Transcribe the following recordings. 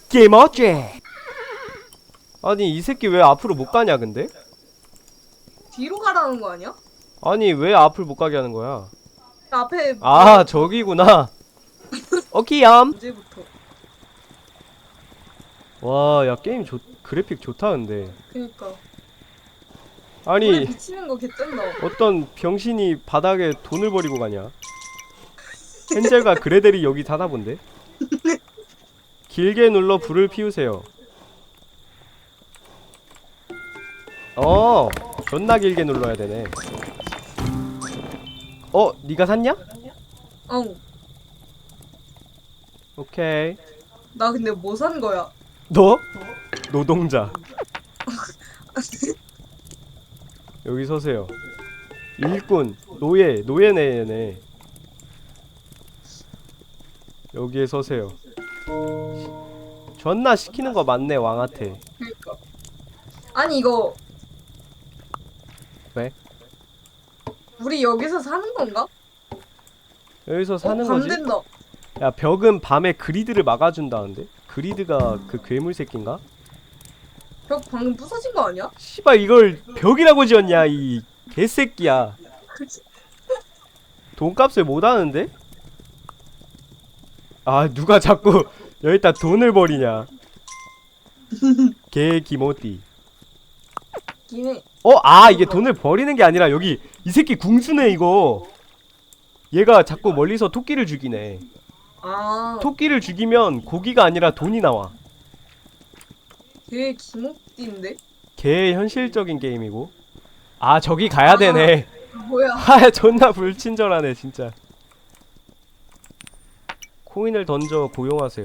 게임 어째? 아니 이 새끼 왜 앞으로 못 가냐 근데? 뒤로 가라는 거 아니야? 아니 왜 앞을 못 가게 하는 거야? 앞에 아 저기구나. 오키얌. 문제부터. 와 야 게임 그래픽 좋다 근데. 그니까. 아니 물에 비치는 거 개쩐다. 어떤 병신이 바닥에 돈을 버리고 가냐? 헨젤과 그레델이 여기 사나 본데? 길게 눌러 불을 피우세요. 존나 길게 눌러야 되네. 니가 샀냐? 어. 오케이. 나 근데 뭐 산 거야? 너? 노동자. 여기 서세요. 일꾼, 노예네 얘네. 여기에 서세요. 존나 시키는 거 많네 왕한테. 그니까. 아니 이거 왜? 우리 여기서 사는 건가? 여기서 사는 밤 거지? 된다. 야 벽은 밤에 그리드를 막아준다는데? 그리드가 그 괴물 새끼인가? 벽 방금 부서진 거 아니야? 씨발 이걸 벽이라고 지었냐 이 개새끼야. 돈값을 못하는데? 아 누가 자꾸 여기다 돈을 버리냐. 개 기모띠. 기네. 이게 돈을 버리는 게 아니라 여기 이 새끼 궁수네 이거. 얘가 자꾸 멀리서 토끼를 죽이네. 아. 토끼를 죽이면 고기가 아니라 돈이 나와. 걔 기목띠인데? 개 현실적인 게임이고. 저기 가야 되네. 뭐야? 존나 불친절하네 진짜. 코인을 던져 고용하세요.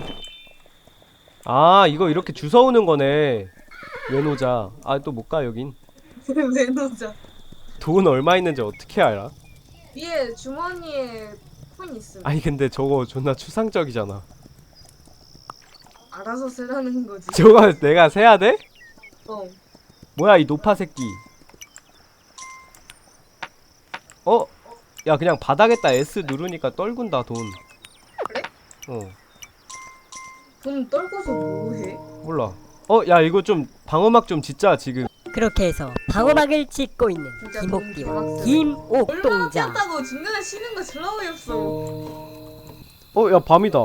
이거 이렇게 주워오는 거네. 외노자. 또 못 가 여긴. 왜 놓자? 돈 얼마 있는지 어떻게 알아? 위에 주머니에 폰 있음. 아니 근데 저거 존나 추상적이잖아. 알아서 쓰라는 거지. 저거 내가 세야 돼? 어. 뭐야 이 노파 새끼. 야 그냥 바닥에다 S 누르니까 떨군다 돈. 그래? 돈 떨고서 뭐 해? 몰라. 야 이거 좀 방어막 좀 짓자 지금. 그렇게 해서 방어막을 짓고 있는 진짜 김옥기와 돈 얼마나 김옥동자. 꼈다고 중간에 쉬는 거 졸라 어이없어. 야 밤이다.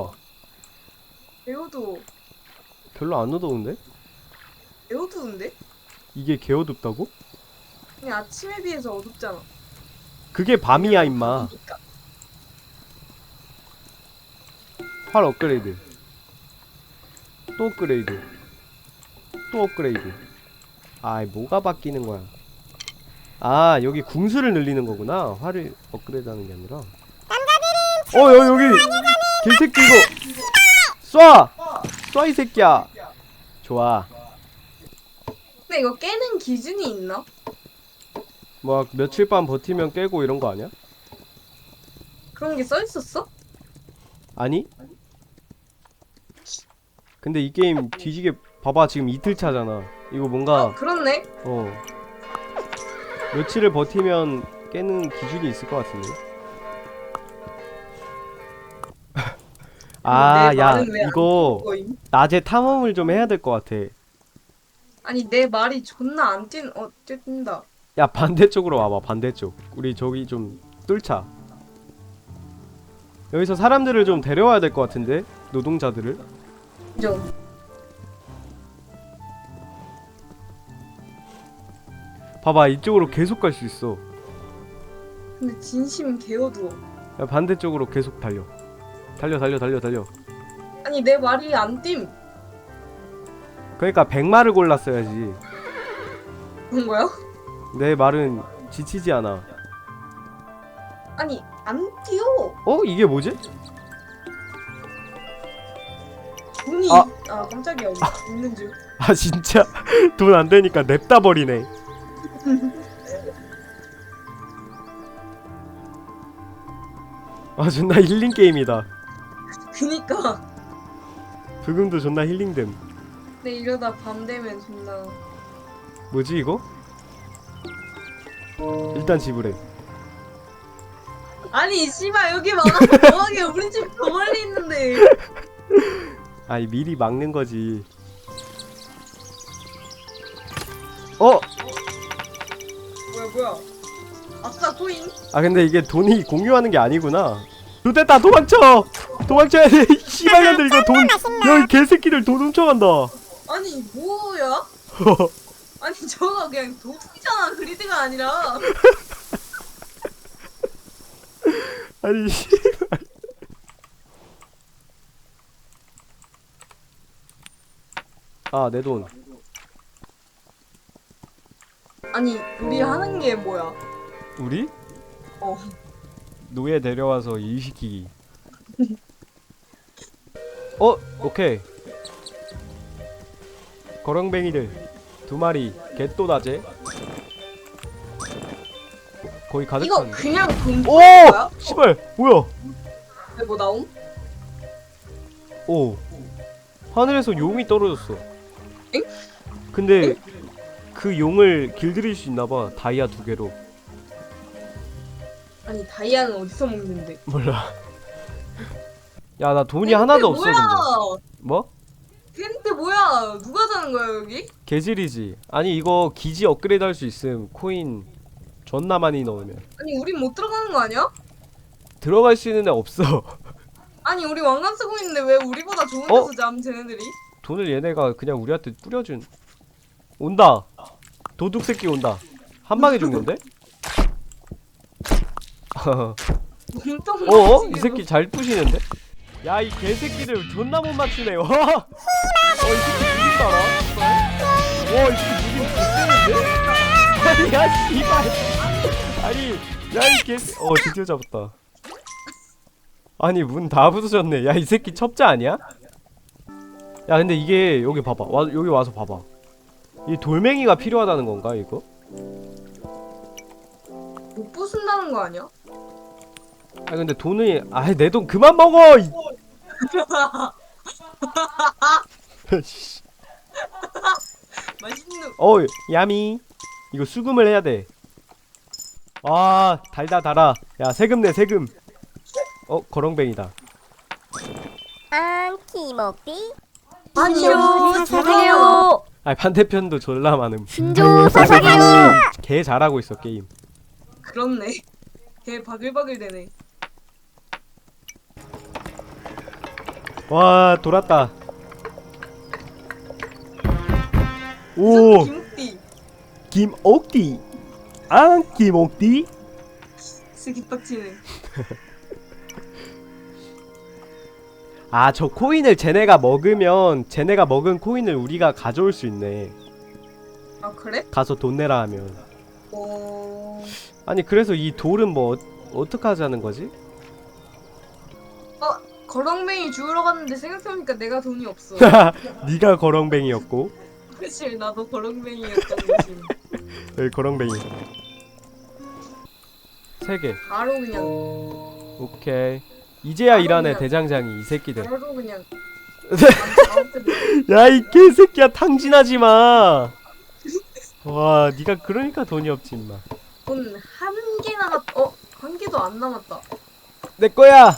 배우도 별로 안 어두운데? 배우도인데? 이게 개어둡다고? 그냥 아침에 비해서 어둡잖아. 그게 밤이야 임마. 그러니까. 활 업그레이드. 또 업그레이드. 또 업그레이드. 뭐가 바뀌는 거야. 여기 궁수를 늘리는 거구나. 활을 업그레이드 하는 게 아니라. 여기 개새끼 이거 쏴 이 새끼야. 좋아. 근데 이거 깨는 기준이 있나? 뭐 며칠 밤 버티면 깨고 이런 거 아니야? 그런 게 써 있었어? 아니? 근데 이 게임 뒤지게 봐봐 지금 이틀 차잖아. 이거 뭔가 그렇네. 며칠을 버티면 깨는 기준이 있을 것 같은데. 내 야 말은 왜안 이거 거임? 낮에 탐험을 좀 해야 될 것 같아. 아니 내 말이 존나 안 뛴다. 야 반대쪽으로 와봐. 반대쪽. 우리 저기 좀 뚫자. 여기서 사람들을 좀 데려와야 될 것 같은데. 노동자들을. 좀. 봐봐 이쪽으로 계속 갈 수 있어. 근데 진심 개어두워. 야, 반대쪽으로 계속 달려. 달려. 아니 내 말이 안 뛴. 그러니까 백마를 골랐어야지. 그런 거야? 내 말은 지치지 않아. 아니 안 뛰어. 이게 뭐지? 돈이 아. 깜짝이야. 있는 줄. 진짜 돈 안 되니까 냅다 버리네. 존나 힐링 게임이다. 그니까. 부금도 존나 힐링됨. 근데 이러다 밤 되면 존나. 뭐지 이거? 일단 지불해. 아니 씨발 여기 막아서 뭐하게 우리 집 더 멀리 있는데. 아니 미리 막는 거지. 어? 뭐야. 아싸 코인. 아 근데 이게 돈이 공유하는 게 아니구나. 좋됐다 도망쳐! 도망쳐야 돼! 이 씨발년들 이거 돈! 야 이 개새끼들 돈 훔쳐간다! 아니 뭐야? 아니 저거 그냥 도둑이잖아. 그리드가 아니라. 아니 씨발. 아 내 돈. 아니 우리 하는 게 뭐야? 우리? 어. 노예 데려와서 일시키기. 오케이. 거렁뱅이들 2마리 개또다제. 거의 가득 이거 찼네. 그냥 돈 오! 푸는 거야? 씨발 뭐야? 왜 뭐 나옴? 오 하늘에서 용이 떨어졌어. 엥? 근데 그 용을 길들일 수 있나봐. 다이아 2개로. 아니 다이아는 어디서 먹는데? 몰라. 야 나 돈이 하나도 없어. 뭐야? 근데 뭐? 텐트 뭐야? 누가 자는 거야 여기? 개질이지. 아니 이거 기지 업그레이드 할 수 있음. 코인 존나 많이 넣으면. 아니 우린 못 들어가는 거 아니야? 들어갈 수 있는 애 없어. 아니 우리 왕관 쓰고 있는데 왜 우리보다 좋은 어? 데서 잠 쟤네들이? 돈을 얘네가 그냥 우리한테 뿌려준. 온다. 도둑 새끼 온다. 한 방에 죽는데? 몸통 어? 이 새끼 잘 부시는데? 야 이 개새끼들 존나 못 맞추네. 와. 이 새끼 무빙 봐라. 와이 새끼 무빙 개쎄는데? 아니 야 씨발. 아니 야 이 개. 드디어 잡았다. 아니 문 다 부서졌네. 야 이 새끼 첩자 아니야? 야 근데 이게 여기 봐봐. 여기 와서 봐봐. 이 돌멩이가 필요하다는 건가 이거? 못 부순다는 거 아니야? 아 근데 돈이 내 돈 그만 먹어. 맛있는. 야미 이거 수금을 해야 돼. 아 달다 달아. 야 세금 내 세금. 거렁뱅이다. 안키먹디 아니요. 사사게요. 반대편도 졸라 많음. 신조 사사게요. 개 잘하고 있어 게임. 그렇네. 걔 바글바글 되네. 와 돌았다. 오 김옥띠. 김옥디. 김옥디. 스기빡치네. 저 코인을 쟤네가 먹은 코인을 우리가 가져올 수 있네. 아 그래? 가서 돈 내라 하면. 아니 그래서 이 돌은 뭐 어떡하자는 거지? 거렁뱅이 주우러 갔는데 생각해보니까 내가 돈이 없어. 네가 거렁뱅이였고. 그치 나도 거렁뱅이였던 거지. 여기 거렁뱅이 3개. 바로 그냥 오케이. 이제야 일하네 대장장이 이 새끼들. 바로 그냥. 야 이 개새끼야 탕진하지마. 와 니가 그러니까 돈이 없지 임마. 돈 한 개 남았. 한 개도 안 남았다. 내거야.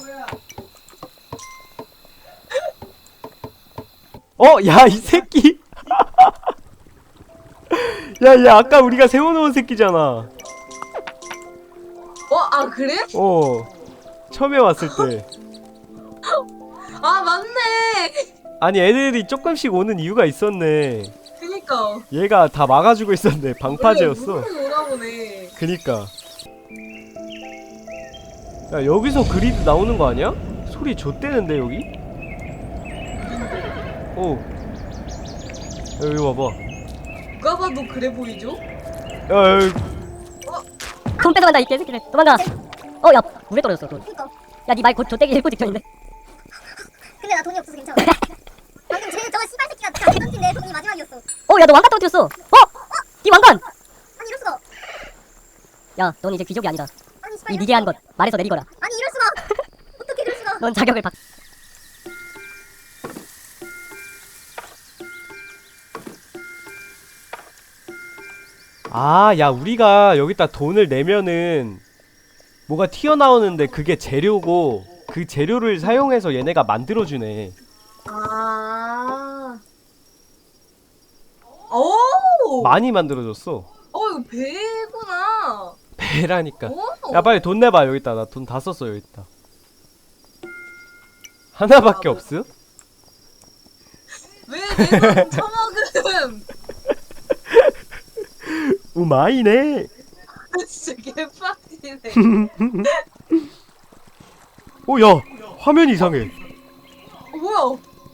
야 이 새끼. 야 얘 아까 우리가 세워놓은 새끼잖아. 그래? 처음에 왔을 때. 아 맞네. 아니 애들이 조금씩 오는 이유가 있었네. 그니까. 얘가 다 막아주고 있었네. 방파제였어. 원래 오나 보네. 그니까. 야 여기서 그리드 나오는 거 아니야? 소리 좆대는데 여기? 여기 봐봐. 누가 봐도 그래 보이죠? 야 돈 뺏어간다 이 개새끼들. 도망가. 야 물에 떨어졌어 돈. 야 니 말 곧 좆대기 일보 직전인데. 근데 나 돈이 없어서 괜찮아. 방금 쟤 저거 씨발 새끼가 다 던진 내 돈이 마지막이었어. 야 너 왕관 떨어뜨렸어. 니 왕관. 아니 이럴 수가. 야 넌 이제 귀족이 아니다. 아니 씨발. 이 미개한 것 말에서 내리거라. 아니 이럴 수가. 어떻게 이럴 수가. 넌 자격을 받. 야 우리가 여기다 돈을 내면은 뭐가 튀어나오는데 그게 재료고 그 재료를 사용해서 얘네가 만들어주네. 아 오! 많이 만들어줬어. 이거 배구나. 배라니까. 오! 야 빨리 돈 내봐. 여기 있다. 나 돈 다 썼어. 여기 있다. 하나밖에 아, 없음? 왜내돈 처먹음? 우마이네. 진짜 개빡치네. 야 화면 이상해. 뭐야?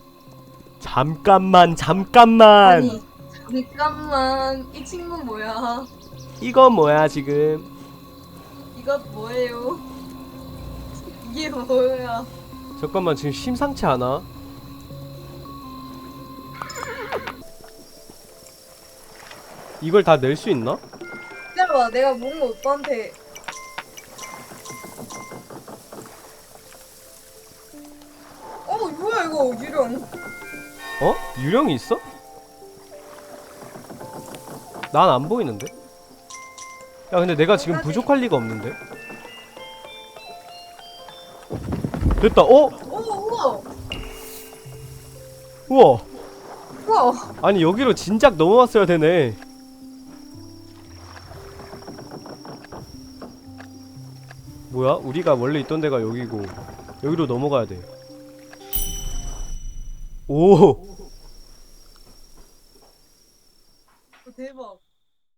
잠깐만. 아니, 잠깐만. 이 친구 뭐야? 이건 뭐야 지금? 이것 뭐예요? 이게 뭐야? 잠깐만 지금 심상치 않아? 이걸 다 낼 수 있나? 기다려봐, 내가 뭔가 오빠한테. 뭐야 이거 유령. 어? 유령이 있어? 난 안 보이는데? 야 근데 내가 지금 부족할 리가 없는데? 됐다. 우와. 우와. 우와. 아니 여기로 진작 넘어왔어야 되네. 뭐야? 우리가 원래 있던 데가 여기고 여기로 넘어가야 돼. 오. 대박.